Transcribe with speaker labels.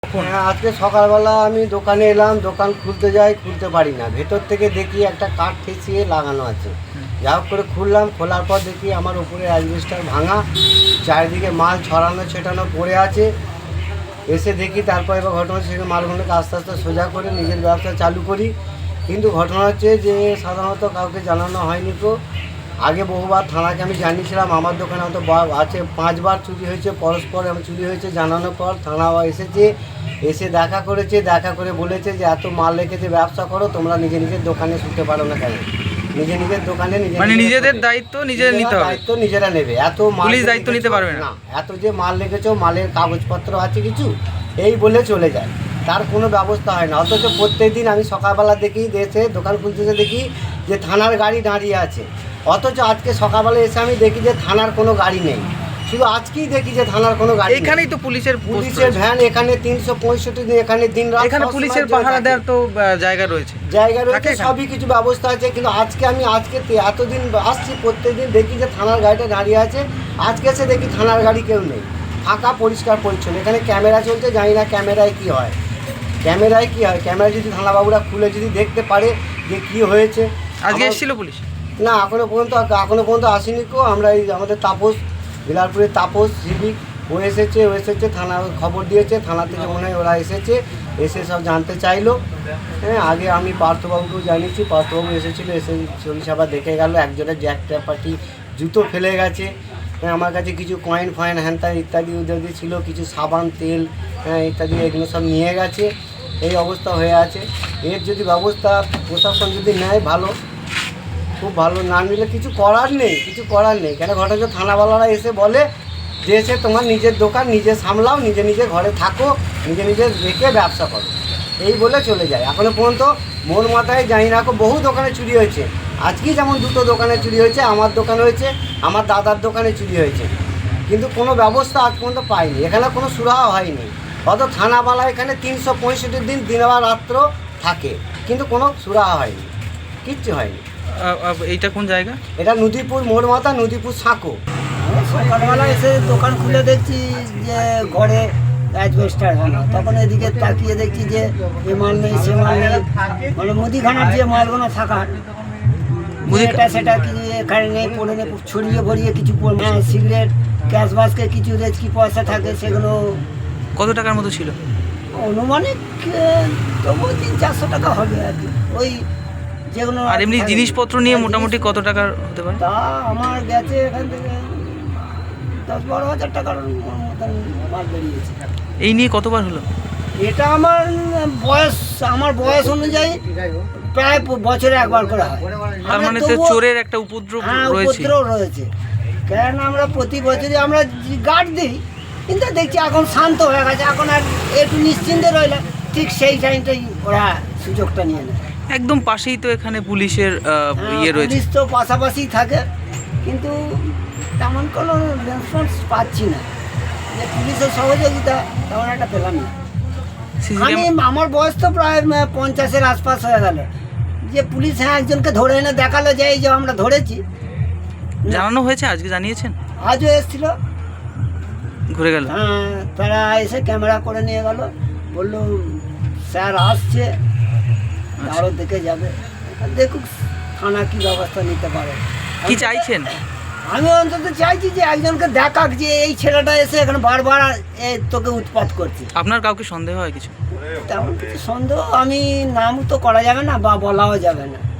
Speaker 1: হ্যাঁ, আজকে সকালবেলা আমি দোকানে এলাম, দোকান খুলতে যাই, খুলতে পারি না। ভেতর থেকে দেখি একটা কাঠ ঠেসিয়ে লাগানো আছে। যা হোক করে খুললাম, খোলার পর দেখি আমার উপরে অ্যাসবেস্টার ভাঙা, চারিদিকে মাল ছড়ানো ছেটানো পড়ে আছে। এসে দেখি, তারপর এবার ঘটনা হচ্ছে সেখানে মালগুলোকে আস্তে আস্তে সোজা করে নিজের ব্যবসা চালু করি। কিন্তু ঘটনা হচ্ছে যে সাধারণত কাউকে জানানো হয়নি। তো আগে বহুবার থানাকে আমি জানিয়েছিলাম, আমার দোকানে হয়তো আছে 5 বার চুরি হয়েছে, পরস্পর আমি চুরি হয়েছে জানানোর পর থানা এসেছে, এসে দেখা করেছে, দেখা করে বলেছে যে এত মাল রেখেছে, ব্যবসা করো, তোমরা নিজের দোকানে শুতে পারো না কেন? নিজের দোকানে
Speaker 2: নিজেদের দায়িত্ব নিজেদের নিতে হবে,
Speaker 1: দায়িত্ব নিজেরা নেবে। এত মাল
Speaker 2: পুলিশ দায়িত্ব নিতে পারবে না।
Speaker 1: এত যে মাল রেখেছো, মালের কাগজপত্র আছে কিছু, এই বলে চলে যায়, তার কোনো ব্যবস্থা হয় না। অথচ প্রত্যেকদিন আমি সকালবেলা দেখি, এসে দোকান খুলতেছে দেখি যে থানার গাড়ি দাঁড়িয়ে আছে। অথচ আজকে সকালবেলা এসে আমি দেখি যে থানার কোনো গাড়ি নেই। শুধু আজকেই দেখি যে থানার কোনো গাড়ি,
Speaker 2: এখানেই তো পুলিশের
Speaker 1: ভ্যান এখানে 365 দিন এখানে দিন রাত
Speaker 2: এখানে পুলিশের পাহারা দেওয়ার তো জায়গা রয়েছে,
Speaker 1: সবই কিছু ব্যবস্থা আছে। কিন্তু আজকে এতদিন আসছি, প্রত্যেকদিন দেখি যে থানার গাড়িটা দাঁড়িয়ে আছে। আজকে এসে দেখি থানার গাড়ি কেউ নেই, ফাঁকা, পরিষ্কার পরিচ্ছন্ন। এখানে ক্যামেরা চলছে, জানি না ক্যামেরায় কি হয়। ক্যামেরা যদি থানাবাবুরা খুলে যদি দেখতে পারে যে কি হয়েছে।
Speaker 2: আজকে এসেছিল পুলিশ?
Speaker 1: না, এখনো পর্যন্ত আসেনি। আমরা এই আমাদের তাপস, বিলারপুরের তাপস সিভিক, ও এসেছে থানা খবর দিয়েছে, থানা থেকে মনে হয় ওরা এসে সব জানতে চাইলো। হ্যাঁ, আগে আমি পার্থবাবুকেও জানিয়েছি, পার্থবাবু এসেছিলো, এসে চল্লিশ আবার দেখে গেল। একজনের জ্যাক ট্যাপাটি জুতো ফেলে গেছে। হ্যাঁ, আমার কাছে কিছু কয়েন ফয়েন হ্যানত্যান ইত্যাদি ওদের ছিল, কিছু সাবান তেল, হ্যাঁ ইত্যাদি, এগুলো সব নিয়ে গেছে। এই অবস্থা হয়ে আছে। এর যদি ব্যবস্থা প্রশাসন যদি নেয় ভালো, খুব ভালো। না নিলে কিছু করার নেই। কেন ঘটনা হচ্ছে থানাওয়ালারা এসে বলে যে এসে তোমার নিজের দোকান নিজে সামলাও, নিজে ঘরে থাকো, নিজে রেখে ব্যবসা করো, এই বলে চলে যায়। এখনও পর্যন্ত মোর মাথায় জানি না, বহু দোকানে চুরি হয়েছে। আজকেই যেমন 2টো দোকানে চুরি হয়েছে, আমার দোকানে হয়েছে, আমার দাদার দোকানে চুরি হয়েছে। কিন্তু কোনো ব্যবস্থা আজ পর্যন্ত পাইনি, এখানে কোনো সুরাহা হয়নি। অত থানাওয়ালা এখানে 365 দিন দিন বা রাত্র থাকে, কিন্তু কোনো সুরাহা হয়নি, কিচ্ছু হয়নি।
Speaker 2: এইটা কোন জায়গা? এটা
Speaker 1: নদীপুর মোড় মাথা, নদীপুর সাঁকো।
Speaker 3: সকালবেলা এসে দোকান খুলে দেখছি যে ঘরে অ্যাসবেস্টার ভাঙা। তখন এদিকে তাকিয়ে দেখছি যে এ মাল নেই, সে মাল নেই, মানে মুদিখানার যে মালগুলো থাকার সেটা কি এখানে নেই, পড়ে নেই, ছড়িয়ে ভরিয়ে কিছু সিগারেট, ক্যাশ বাস্কে কিছু রেচকি পয়সা থাকে, সেগুলো।
Speaker 2: কত টাকার মতো ছিল?
Speaker 3: অনুমানিক তবু 300-400 টাকা হবে আর কি। ওই যেগুলো।
Speaker 2: আর এমনি জিনিসপত্র নিয়ে মোটামুটি কত টাকার হতে পারে?
Speaker 3: তা আমার গেছে এখান থেকে 10-12 হাজার টাকার মতন মাল বেরিয়েছে।
Speaker 2: এই নিয়ে কতবার হলো?
Speaker 3: এটা আমার বয়স অনুযায়ী প্রায় বছরে একবার করে হয়।
Speaker 2: তার মানে তো চোরের একটা উপদ্রব
Speaker 3: রয়েছে। কারণ আমরা প্রতি বছরই আমরা গার্ড দিই, কিন্তু দেখছি এখন শান্ত হয়ে গেছে, এখন আর একটু নিশ্চিন্তে রইলে ঠিক সেই টাইমটাই ওরা সুযোগটা নিয়ে নেয়।
Speaker 2: একদম পাশেই তো এখানে পুলিশের রয়েছে।
Speaker 3: পুলিশ তো পাশাপাশি থাকে, কিন্তু তেমন কোনো রেসপন্স পাচ্ছি না যে পুলিশের সহযোগিতা তেমন একটা পেলাম না। আমার বয়স তো প্রায় 50-এর আশপাশ হয়ে গেল, যে পুলিশ একজনকে ধরে এনে দেখালো যে এই যে আমরা ধরেছি।
Speaker 2: জানানো হয়েছে? আজকে জানিয়েছেন?
Speaker 3: আজও এসেছিল,
Speaker 2: ঘুরে গেল।
Speaker 3: হ্যাঁ, তারা এসে ক্যামেরা করে নিয়ে গেল, বললো স্যার আসছে, আরও দেখে যাবে। দেখুক থানা কি ব্যবস্থা নিতে পারে।
Speaker 2: কি চাইছেন?
Speaker 3: আমি অন্তত চাইছি যে একজনকে দেখাক যে এই ছেলেটা এসে এখানে বারবার তোকে উৎপাত করছে।
Speaker 2: আপনার কাউকে সন্দেহ হয় কিছু?
Speaker 3: তেমন কিছু সন্দেহ আমি নাম তো করা যাবে না বা বলাও যাবে না।